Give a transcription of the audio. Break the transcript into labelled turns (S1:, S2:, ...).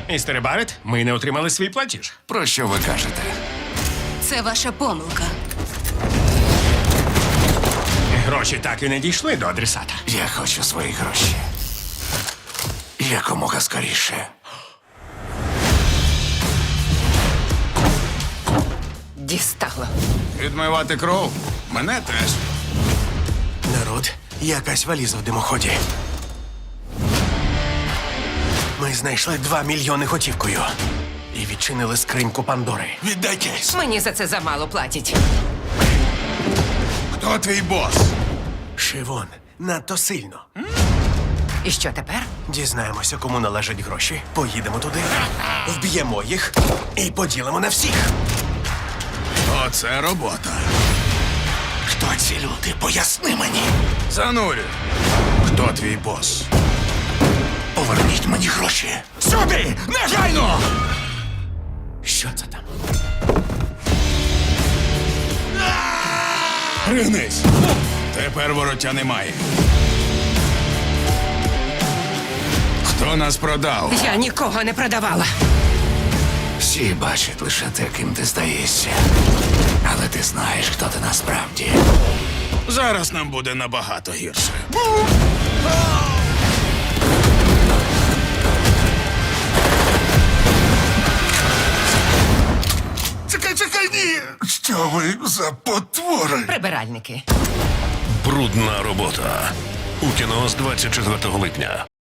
S1: Містере Барет, ми не отримали свій платіж.
S2: Про що ви кажете?
S3: Це ваша помилка.
S1: Гроші так і не дійшли до адресата.
S2: Я хочу свої гроші. Якомога скоріше.
S3: Дістало.
S4: Відмивати кров? Мене теж.
S5: Народ, якась валіза в димоході. Ми знайшли 2 мільйони готівкою. І відчинили скриньку Пандори.
S2: Віддайтесь.
S3: Мені за це замало платять.
S4: Хто твій бос?
S5: Шивон, надто сильно.
S3: І що тепер?
S5: Дізнаємося, кому належать гроші. Поїдемо туди, вб'ємо їх і поділимо на всіх.
S4: Оце робота.
S2: Хто ці люди? Поясни мені.
S4: Занурю. Хто твій бос?
S2: Поверніть мені гроші.
S4: Сюди! Негайно!
S5: Що це там?
S4: Пригнись! Тепер вороття немає. Хто нас продав?
S3: Я нікого не продавала.
S2: Всі бачать лише те, ким ти здаєшся. Але ти знаєш, хто ти насправді.
S4: Зараз нам буде набагато гірше.
S2: Чекай, ні! Що ви за потвори?
S3: Прибиральники.
S6: Брудна робота. У кіно з 24 липня.